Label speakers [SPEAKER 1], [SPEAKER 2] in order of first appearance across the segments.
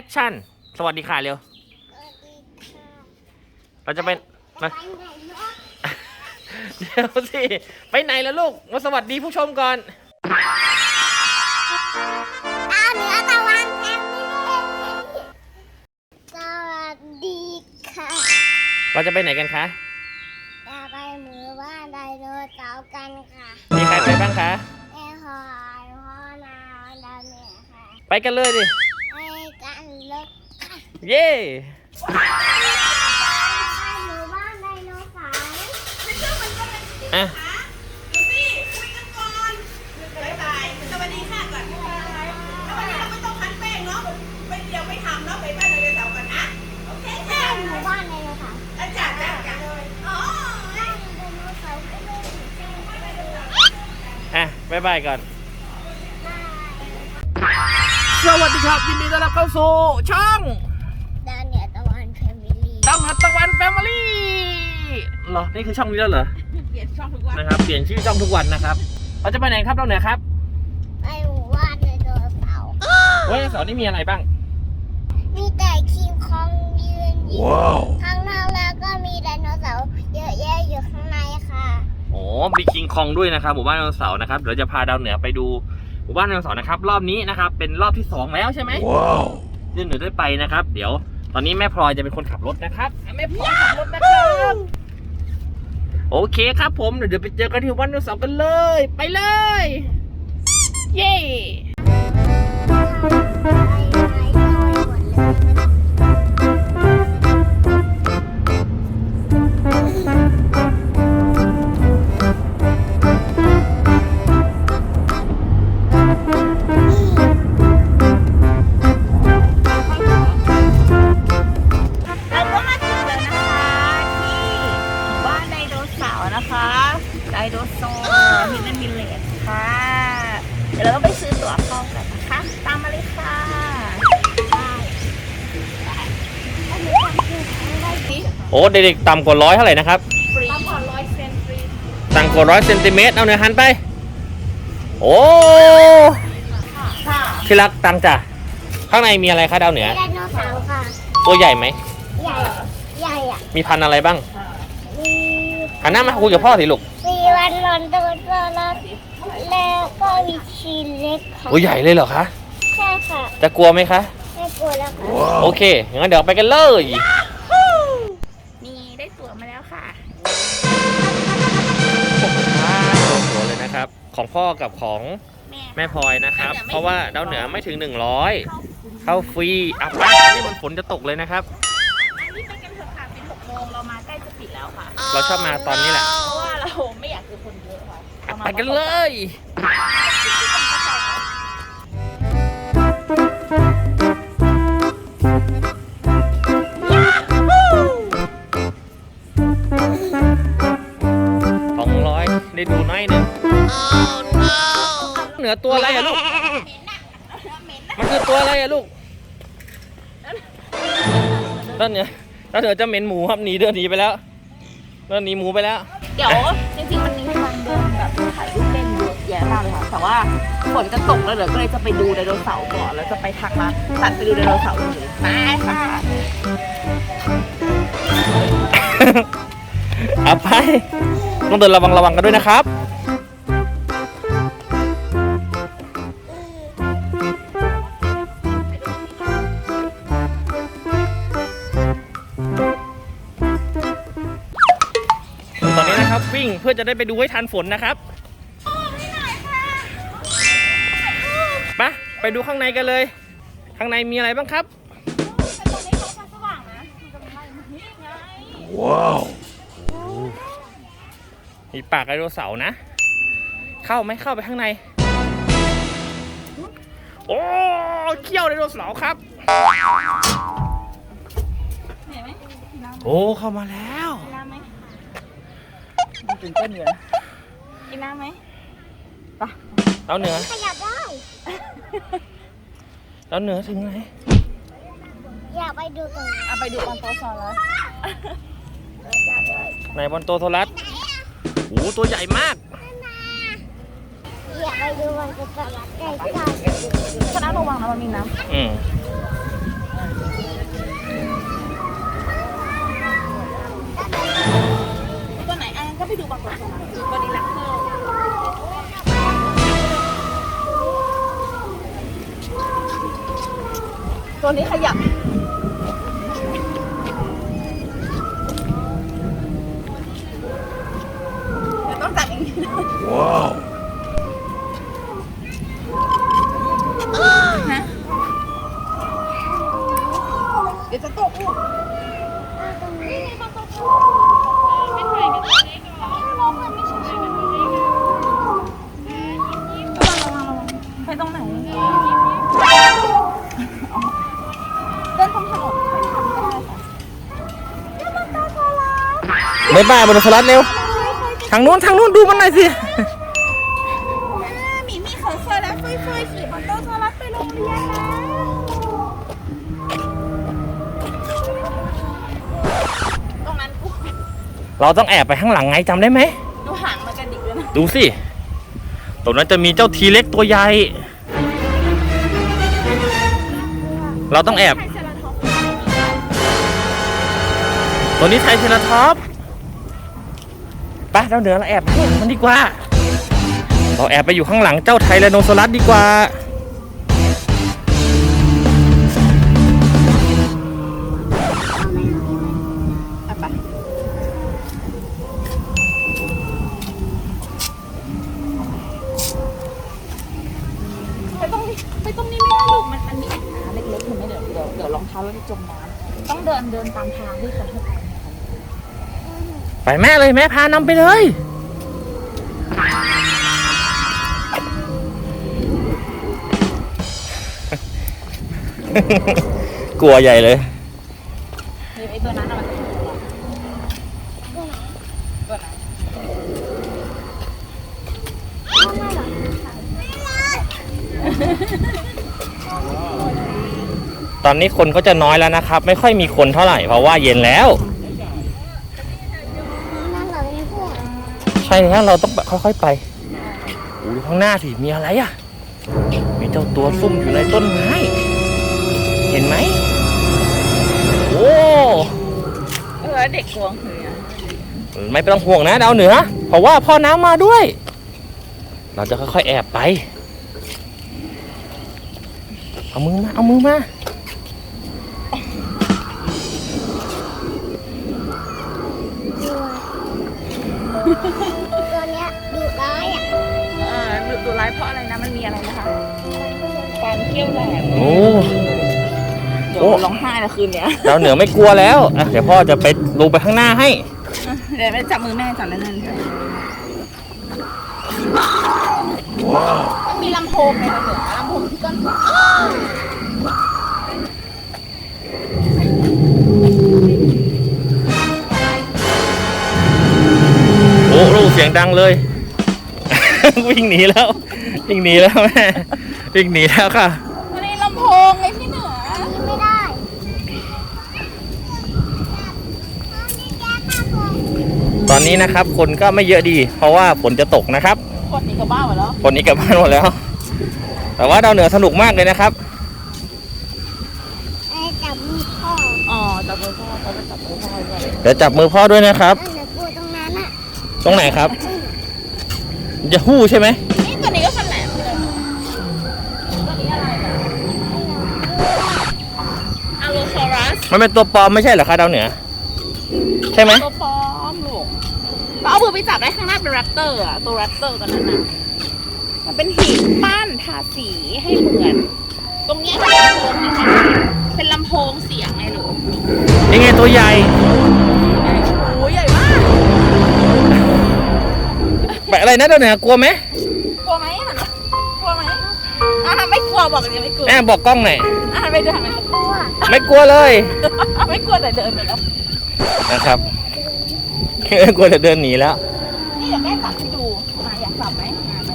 [SPEAKER 1] คชั่นสวัสดีค่ะเร็วเราจะเป็นมาเดี๋ยวสิไปไหนแล้วลูกมาสวัสดีผู้ชมก่อน
[SPEAKER 2] เหนือตะวันแผ่นดินสวัสดีค่ะ
[SPEAKER 1] เราจะไปไหนกันคะ
[SPEAKER 2] จะไปหมู่บ้านไดโนเสาร์กันค่ะ
[SPEAKER 1] มีใครไปบ้างคะ
[SPEAKER 2] แม่หอยพ่อนาดาวเหนือค่ะ
[SPEAKER 1] ไปกันเลยดิ
[SPEAKER 2] ไปกันเลยค่ะ
[SPEAKER 1] เย้
[SPEAKER 2] ไปหมู่บ้านไดโนเสาร์
[SPEAKER 1] อ่ะ
[SPEAKER 3] พี่คุยกันก่อนบ๊ายบายสวัสดีค่ะก่อนแล้ววันนี้เราไม่ต้องคั้นแป้งเนาะไปเดี๋ยวไปทำเนาะไปบ้านไดโนเสาร์กันนะโอเคค่ะ
[SPEAKER 2] หมู่บ้านไดโนเสาร์
[SPEAKER 3] อาจารย์อ๋อ
[SPEAKER 2] ไดโนเสาร์ก็เลย
[SPEAKER 1] อ่ะบ๊ายบายก่อนสวัสดีครับยินดีต้อนรับเข้าสู่ช่อง
[SPEAKER 2] ดาวเหนือตะวันแฟมิลี่
[SPEAKER 1] ดาวเหนือตะวันแฟมิลี่เหรอนี่คือช่องนี้แล้วเหรอ
[SPEAKER 3] เปลี่ยนช่องทุกวัน
[SPEAKER 1] นะครับเปลี่ยนชื่อช่องทุกวันนะครับเราจะไปไหนครับดาวเหนือครับ
[SPEAKER 2] ไปหมู่บ้านไดโนเสาร์
[SPEAKER 1] ไดโนเสาร์นี่มีอะไรบ้าง
[SPEAKER 2] มีแต่คิงคองยืนอยู่ข้างนอกแล้วก็มีไดโนเสาร์เยอะแยะอยู่ข้างในค่ะ
[SPEAKER 1] โอ้มีคิงคองด้วยนะครับหมู่บ้านไดโนเสาร์นะครับเดี๋ยวจะพาดาวเหนือไปดูหมู่บ้านไดโนเสาร์นะครับรอบนี้นะครับเป็นรอบที่2แล้วใช่ไหมว้าวเดี๋ยวหนูได้ไปนะครับเดี๋ยวตอนนี้แม่พลอยจะเป็นคนขับรถนะครับแม่พลอยขับรถนะครับโอเคครับผมเดี๋ยวไปเจอกันที่หมู่บ้านไดโนเสาร์กันเลยไปเลยเย้
[SPEAKER 3] ไดโนเสาร์ฮิดเด้นวิลเลจค่ะเดี๋ยวเราก็ไปซื้อตั๋วเข้ากันนะคะตามมาเลยค่ะ
[SPEAKER 1] โอ้เด็กๆต่ำกว่า100เท่าไหร่นะครับ
[SPEAKER 3] ต่ำกว่า100 เซนฟรี
[SPEAKER 1] ต่ำกว่า100 เซนติเมตรเอาเนื้อหันไปโอ้ที่รักตังจ้ะข้างในมีอะไรคะดาวเหนือ
[SPEAKER 2] ไดโนเสาร์ค่ะ
[SPEAKER 1] ตัวใหญ่ไหม
[SPEAKER 2] ใหญ่ใหญ่อะ
[SPEAKER 1] มีพันธุ์อะไรบ้างหันหน้ามาคุยกับพ่อสิลูก
[SPEAKER 2] มีวันลอนตัวแล้วก็มีชีเล็กค่ะ
[SPEAKER 1] ตัวใหญ่เลยเหรอคะ
[SPEAKER 2] ใช่ค่ะ
[SPEAKER 1] จะกลัวไหมคะ
[SPEAKER 2] ไม่กลัวแล้วค่ะ
[SPEAKER 1] โอเคงั้นเดี๋ยวไปกันเลย
[SPEAKER 3] นี่ได้ตั๋วมาแล้วค่ะ
[SPEAKER 1] ตั๋วเลยนะครับของพ่อกับของแม่พลอยนะครับเพราะว่าดาวเหนือไม่ถึง100เข้าฟรีอ่ะไปนี่มันฝนจะตกเลยนะครับ
[SPEAKER 3] อันนี้ไปกันเถอะค่ะเป็น6 โมงเรามาใกล้จะปิดแล้วค่ะ
[SPEAKER 1] เราชอบมาตอนนี้แหละ
[SPEAKER 3] เพราะว่าเราไม่อยากเจอคนเยอะค่ะ
[SPEAKER 1] ไปกันเลย200ได้ดูน้อยนึงเหนือตัวอะไรอะลูกมันคือตัวอะไรอะลูกต้นเหนือจะเหม็นหมูครับหนีเดินหนีไปแล้วเดินหนีหมูไปแล้ว
[SPEAKER 3] เดี๋ยวจริงๆมันมีทางเดินแบบถ่ายรูปเล่นเยอะแยะมากเลยค่ะแต่ว่าฝนจะตกแล้วเดี๋ยวก็เลยจะไปดูไดโนเสาร์ก่อนแล้วจะไปทักมาตัดไปดูไดโนเสาร์เลยมาค่ะ
[SPEAKER 1] เอาไปต้องเดินระวังกันด้วยนะครับตอนนี้นะครับวิ่งเพื่อจะได้ไปดูให้ทันฝนนะครับไปดูข้างในกันเลยข้างในมีอะไรบ้างครับว้าวมีปากไดโนเสาร์นะเข้าไปข้างในโอ้เขี้ยวไดโนเสาร์ครับโอ้เข้ามาแล้ว
[SPEAKER 3] ตื่นเต้นอยู่นะกินน้ำไหมปะ
[SPEAKER 1] เราเหนือ
[SPEAKER 2] ขยับได้
[SPEAKER 1] เราเหนือถึงไหน
[SPEAKER 2] อยากไปดูตรงนี้
[SPEAKER 3] ไปดูบอนโตซอรัส
[SPEAKER 1] ไหนบอนโตโทรัสโอ้ตัวใหญ่มาก
[SPEAKER 2] อยากไปดูบอนโตโทรัสใกล้ๆ
[SPEAKER 3] คณะระวังนะมันมีน้ำไปดูบางตัวสลัดบอดี้ลักเตอร์ตัวนี้ขยับเดี๋ยวต้องจับอย่างนี้นะว้าวฮะเดี๋ยวจะตกลูกไปตรงไหนเดินตรงถนนไม่ทำก็ได้ค่ะ
[SPEAKER 1] บ๊ายบายบนสลัดเร็วทางนู้นดูมันหน่อยสิ
[SPEAKER 3] หมีเขาเคยแล้วเฟยขี่มอเตอร์สลัดไปโรงเรียนนะตรงนั้นกู
[SPEAKER 1] เราต้องแอบไปข้างหลังไงจำได้ไหม
[SPEAKER 3] ดูหางมันกระดิกเลยนะ
[SPEAKER 1] ดูสิตรงนั้นจะมีเจ้าทีเล็กตัวใหญ่เราต้องแอบ
[SPEAKER 3] ไทยเซราท็อปส์
[SPEAKER 1] ตัวนี้ไทยเทราท็อปส์ไปเราเหนือเราแอบมันดีกว่าเราแอบไปอยู่ข้างหลังเจ้าไทแรโนซอรัสดีกว่า
[SPEAKER 3] ไปตรงนี้ไม่ได้ลูกมันมีแอ่งน้ำเล็กๆเห็นไหมเดี๋ยวรองเท้าเราจะจมน้ำต้องเดินตามทางที่เขาให้ไป
[SPEAKER 1] ไปแม่เลยแม่พานำไปเลยกลัวใหญ่เลย
[SPEAKER 3] ไอ้ตัวนั้นมันตัวไหน
[SPEAKER 1] ตอนนี้คนก็จะน้อยแล้วนะครับไม่ค่อยมีคนเท่าไหร่เพราะว่าเย็นแล้วใช่แล้วเราต้องค่อยๆไปดูข้างหน้าสิมีอะไรอ่ะมีเจ้าตัวซุ่มอยู่ในต้นไม้เห็นไหมโอ้
[SPEAKER 3] เด็กกวงเหย
[SPEAKER 1] ไม่ต้องห่วงนะดาวเหนือเพราะว่าพ่อน้ำมาด้วย เราจะค่อยๆแอบไปเอามือมา
[SPEAKER 2] ตัวเนี้ยดุร้ายอ่ะ
[SPEAKER 3] ดูร้ายเพราะอะไรนะมันมีอะไรนะคะการเที่ยวแหลม
[SPEAKER 1] โอ้
[SPEAKER 3] เดี๋ยวร้องไห้ละคืนเนี้ย
[SPEAKER 1] ดาวเหนือไม่กลัวแล้วอ่ะเดี๋ยวพ่อจะไปลงไปข้างหน้าให้
[SPEAKER 3] เดี๋ยวไปจับมือแม่จับนั่นมันมีลำโพงไงเหรอลำโพงที่ก้น
[SPEAKER 1] โอ้ลูกเสียงดังเลย วิ่งหนีแล้วแม่วิ่งหนีแล้วค่ะ
[SPEAKER 3] มันมีลำโพงไงพี่เหนือ
[SPEAKER 2] ไม่ได้
[SPEAKER 1] ตอนนี้นะครับคนก็ไม่เยอะดี เพราะว่าฝนจะตกนะครับ
[SPEAKER 3] คนนี้ก็บ้าหมดแล้ว
[SPEAKER 1] คนนี้กลับบ้านหมดแล้ว แต่ว่าดาวเหนือสนุกมากเลยนะครับ
[SPEAKER 2] จับมือพ่อ
[SPEAKER 3] อ๋อจับมือพ่อเขาจะจับมือพ่อด้วย
[SPEAKER 1] เดี๋ยวจับมือพ่อด้วยนะครับ
[SPEAKER 2] นั่นแหละกูตรงนั้นอ่ะ
[SPEAKER 1] ตรงไหนครับจะหู้ใช่ไหม
[SPEAKER 3] นี่ตัวนี้ก็ฟันแหลมเลยตัวนี้อะไรนะอะโลซอรัส
[SPEAKER 1] มันเป็นตัวปลอมไม่ใช่เหรอคะดาวเหนือใช่ไหม
[SPEAKER 3] ตัวปลอมลูกเราเอามือไปจับได้ข้างหน้าเป็นแรปเตอร์อะตัวแรปเตอร์ตัวนั้นอะมันเป็นหินปั้นทาสีให้เหมือน ตรงเนี้ยเป็นลำโพงเสียงไงลูก
[SPEAKER 1] นี่ไงตัวใหญ่
[SPEAKER 3] โอ้ยใหญ่มาก
[SPEAKER 1] แบบอะไรนะดาวเหนือกลัวไหม
[SPEAKER 3] กลัวไหมอะกลัวไหมไม่กลัวบอกเลยไม่กลัว
[SPEAKER 1] แม่บอกกล้องหน่อย
[SPEAKER 3] ไม่เดินไม่
[SPEAKER 2] กลัว
[SPEAKER 1] ไม่กลัวเลย
[SPEAKER 3] ไม่กลัวแต่เดินไปแล้ว
[SPEAKER 1] นะครับ กลัวจะเดินหนีแล้ว
[SPEAKER 3] นี่เดี๋ยวแม่จับให้ดูอยากจับไหม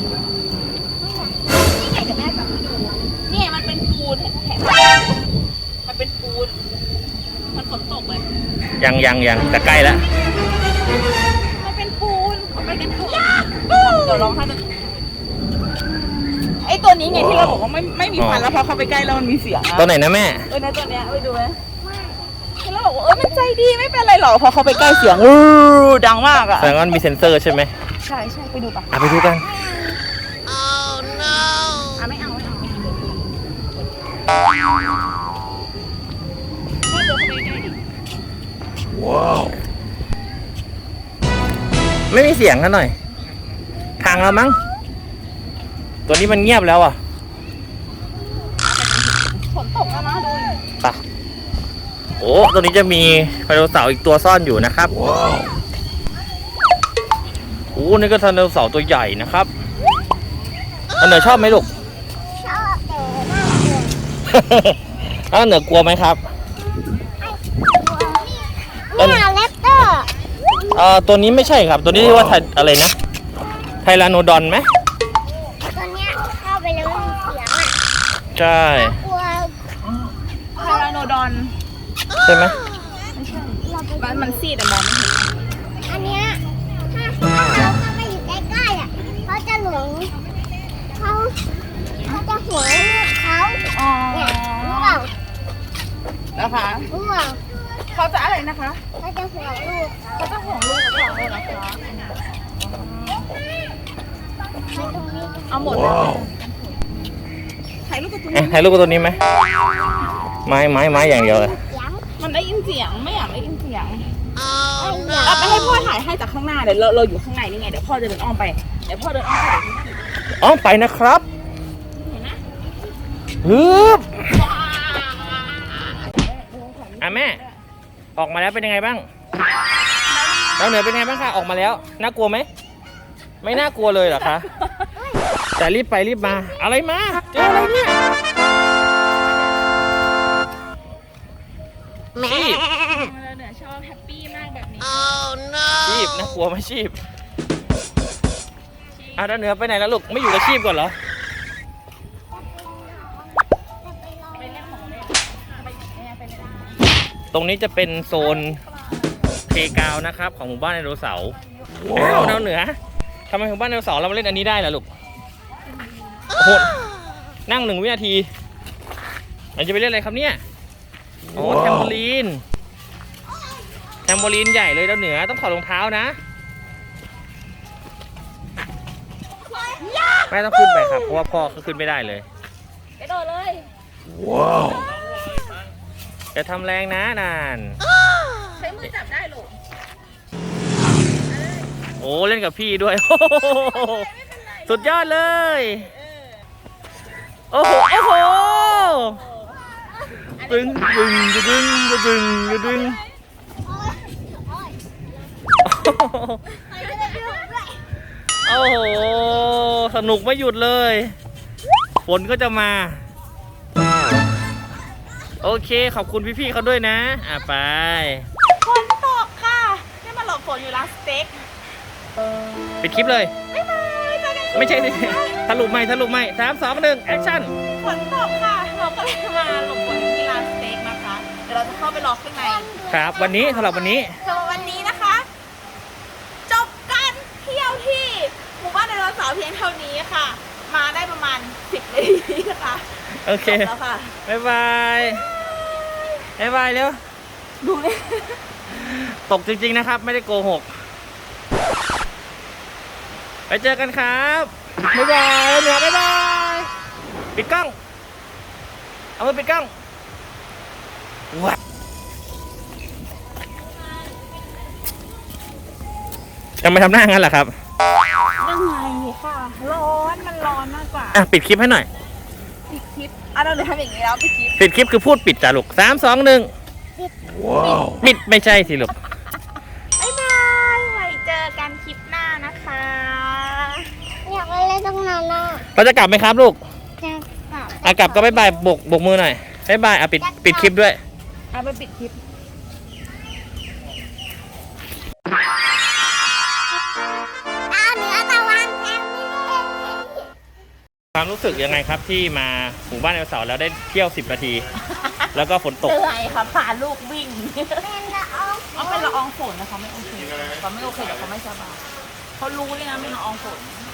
[SPEAKER 3] นี่ไงเดี๋ยวแม่จับให้ดูนี่มันเป็นปูนเห็นไหมมันเป็นปูนมันฝนตกเลย
[SPEAKER 1] ยังจะใกล้แล้ว
[SPEAKER 3] มันเป็นปูนมันเป็นปูนเดี๋ยวร้องไห้ไอตัวนี้ไงที่เราบอกว่าไม่มีฟันแล้วพอเข้าไปใกล้แล้วมันมีเสียง
[SPEAKER 1] ตัวไหนนะแม่
[SPEAKER 3] นะตัวเนี้ยไปดูไหมที่เราบอกบอกว่ามันใจดีไม่เป็นไรหรอกพอเขาไปใกล้เสียงดังมากอะ
[SPEAKER 1] แสดงว่ามีเซ็นเซอร์ใช่ไหม
[SPEAKER 3] ใช่ไปดูปะ
[SPEAKER 1] ไปดูกัน
[SPEAKER 3] ไม่เอา
[SPEAKER 1] ไม่มีเสียงกันหน่อย ทางเรามั้ง ตัวนี้มันเงียบแล้วอ่ะ
[SPEAKER 3] ฝนตกแล้วนะดู
[SPEAKER 1] ไปโอ้ตัวนี้จะมีไดโนเสาร์อีกตัวซ่อนอยู่นะครับโอ้นี่ก็ไดโนเสาร์ตัวใหญ่นะครับอันเหนือชอบไหมลูก
[SPEAKER 2] ชอบแต่น่ากลัว
[SPEAKER 1] อันเหนือกลัวไหมครับ
[SPEAKER 2] เนี่ยแรปเตอร์
[SPEAKER 1] ตัวนี้ไม่ใช่ครับ ตัวนี้เรียกว่าอะไรนะ ไทแรานโนดอนไหม
[SPEAKER 2] ตัวเนี้ยเข้าไปแล้วมันมีเสียงอ่ะ
[SPEAKER 1] ใช่
[SPEAKER 2] กลัว
[SPEAKER 3] ไทแรานโนดอน
[SPEAKER 1] ใช่ไหม
[SPEAKER 3] มันซีดแต่มองไม่เห็น
[SPEAKER 2] อันเนี้ยถ้าเราเข้าไปอยู่ใกล้ๆอ่ะเขาจะหลงเขาจะหวงลูกเขา
[SPEAKER 3] อ๋อ
[SPEAKER 2] เนี่ยรู้เปล่า
[SPEAKER 3] นะคะ
[SPEAKER 2] รู้เปล่า
[SPEAKER 3] เขาจะอะไรนะคะ
[SPEAKER 2] เขาจะหวงลูก
[SPEAKER 3] เขาจะห่วงลูกกับเขาเลยนะคะ
[SPEAKER 2] มันตรงนี้
[SPEAKER 3] เอาหมดเลยถ่ายรูปกับตัวนี้
[SPEAKER 1] ถ่ายรูปกับตัวนี้ไหมไม้อย่างเดียวเลย
[SPEAKER 2] เสียง
[SPEAKER 3] มันได้ยินเสียงไม่อยากได้ยินเสียง
[SPEAKER 2] ไอ้เหี้ย
[SPEAKER 3] เราไปให้พ่อถ่ายให้จากข้างหน้าเดี๋ยวเราอยู่ข้างในนี่ไงเดี๋ยวพ่อจะเดินอ้อมไปเดี๋ยวพ่อเดินอ้อมไป
[SPEAKER 1] อ๋อไปนะครับฮึบแม่ ออกมาแล้วเป็นยังไงบ้างดาวเหนือเป็นยังไงบ้างคะออกมาแล้วน่ากลัวไหมไม่น่ากลัวเลยเหรอคะแต่รีบไปรีบมาอะไรมาเจออะไรเนี่ยชีพ
[SPEAKER 3] เหนือชอบแฮปปี้มากแบบนี้
[SPEAKER 1] ชีพน่ากลัวไหมชีพดาวเหนือไปไหนแล้วลูกไม่อยู่กับชีพก่อนเหรอ
[SPEAKER 3] ไปเล่นของเล่นไปเล่น
[SPEAKER 1] ตรงนี้จะเป็นโซนเพลย์กราวน์นะครับของหมู่บ้านไดโนเสาร์ว้าวดาวเหนือทำไมหมู่บ้านไดโนเสาร์เรามาเล่นอันนี้ได้ล่ะลูกโอ้โหนั่ง1 วินาทีเราจะไปเล่นอะไรครับเนี่ยโอ้แทมโบลีนใหญ่เลยดาวเหนือต้องถอดรองเท้านะแม่ต้องขึ้นไปครับเพราะว่าพ่อเขาขึ้นไม่ได้เลย
[SPEAKER 3] กระโดดเลย
[SPEAKER 1] จะทำแรงนะนาน
[SPEAKER 3] ใช้มือจับได้หรอ
[SPEAKER 1] โอ้เล่นกับพี่ด้วย สุดยอดเลย โอ้โหตึงดึง โอ้โหสนุกไม่หยุดเลยฝนก็จะมาโอเคขอบคุณพี่ๆเขาด้วยนะไป
[SPEAKER 3] ฝนตกค่ะนี่มาหลบฝนอยู่ร้านสเต็ก
[SPEAKER 1] ปิดคลิปเลย
[SPEAKER 3] บ๊ายบายเจอกัน
[SPEAKER 1] ไม่ใช่สิถลุไม่3 2 1แอคชั่น
[SPEAKER 3] ฝนตกค่ะเราก็เลยมาหลบฝนที่ร้านสเต็กนะคะเดี๋ยวเราจะเข้าไปรอข้างใน
[SPEAKER 1] ครับวันนี้สำหรับวันนี้
[SPEAKER 3] สำหรับวันนี้นะคะ จบการเที่ยวที่หมู่บ้านไดโนเสาร์เพียงเท่านี้ค่ะ มาได้ประมาณ10 นาทีนะคะ
[SPEAKER 1] โอเค
[SPEAKER 3] จบแล้วค่ะ
[SPEAKER 1] บ๊ายบายเร็ว
[SPEAKER 3] ดูเลย
[SPEAKER 1] ตกจริงๆนะครับไม่ได้โกหกไปเจอกันครับบ๊ายบายเหนือบ๊ายบายปิดกล้องเอามือปิดกล้องว้าทำไมทำหน้างั้นล่ะครับ
[SPEAKER 3] ยังไงค่ะ มันร้อนมากกว่า
[SPEAKER 1] ปิดคลิปให้หน่อย
[SPEAKER 3] ปิดคลิปเราเลยทำอย่างนี้แล้วปิดคลิป
[SPEAKER 1] ปิดคลิปคือพูดปิดจ้ะลูก3 2 1ปิดไม่ใช่สิลูก
[SPEAKER 3] บ๊ายบายไว้เจอกันคลิปหน้านะคะ
[SPEAKER 2] อยากไปเล่นตรงนั้นน่ะ
[SPEAKER 1] เราจะกลับไหมครับลูก
[SPEAKER 2] จะกลับ
[SPEAKER 1] กลับก็บ๊ายบายบกมือหน่อยบ๊ายบายปิดคลิปด้วย
[SPEAKER 3] เอาไปปิดคลิป
[SPEAKER 2] เหนือตะวันแทนนี่
[SPEAKER 1] ความรู้สึกยังไงครับที่มาหมู่บ้านไดโนเสาร์แล้วได้เที่ยว10 นาที แล้วก็ฝนตก
[SPEAKER 3] เหนื่อยค่ะพาลูกวิ่ง
[SPEAKER 2] เป็นละออง
[SPEAKER 3] เอาเป็นละอองฝนนะคะไม่โอเคเขาไม่โอเคเดี๋ยวเขาไม่สบายเขารู้เลยนะเป็นละอองฝน